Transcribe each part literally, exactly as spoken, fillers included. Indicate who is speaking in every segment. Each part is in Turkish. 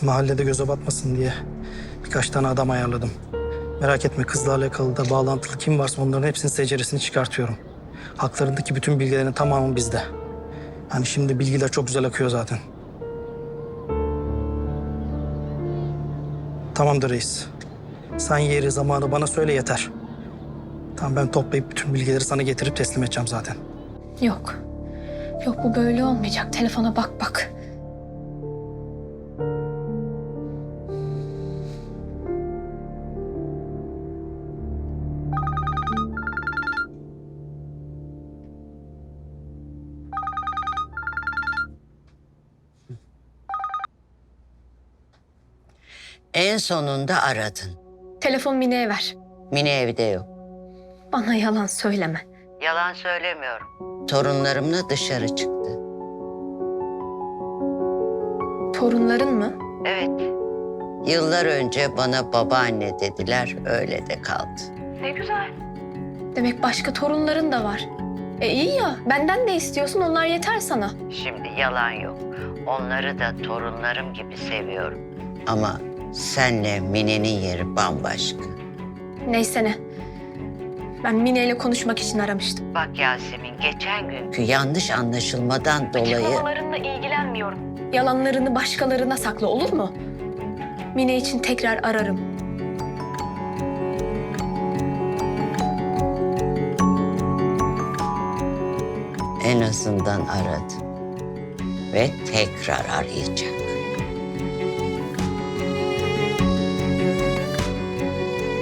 Speaker 1: Mahallede göze batmasın diye birkaç tane adam ayarladım. Merak etme, kızla alakalı da bağlantılı kim varsa onların hepsinin seceresini çıkartıyorum. Haklarındaki bütün bilgilerin tamamı bizde. Hani şimdi bilgiler çok güzel akıyor zaten. Tamamdır reis. Sen yeri zamanı bana söyle yeter. Tamam, ben toplayıp bütün bilgileri sana getirip teslim edeceğim zaten.
Speaker 2: Yok. Yok, bu böyle olmayacak. Telefona bak bak.
Speaker 3: En sonunda aradın.
Speaker 2: Telefon Mine'ye ver.
Speaker 3: Mine evde yok.
Speaker 2: Bana yalan söyleme.
Speaker 3: Yalan söylemiyorum. Torunlarımla dışarı çıktı.
Speaker 2: Torunların mı?
Speaker 3: Evet. Yıllar önce bana babaanne dediler, öyle de kaldı.
Speaker 2: Ne güzel. Demek başka torunların da var. E iyi ya, benden de istiyorsun, onlar yeter sana.
Speaker 3: Şimdi yalan yok. Onları da torunlarım gibi seviyorum. Ama senle Mine'nin yeri bambaşka.
Speaker 2: Neyse ne. Ben Mine ile konuşmak için aramıştım.
Speaker 3: Bak Yasemin, geçen günkü yanlış anlaşılmadan dolayı...
Speaker 2: Açıklamalarınla ilgilenmiyorum. Yalanlarını başkalarına sakla, olur mu? Mine için tekrar ararım.
Speaker 3: En azından aradı. Ve tekrar arayacak.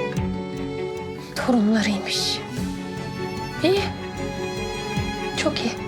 Speaker 2: Torunlarıymış. İyi. Çok iyi.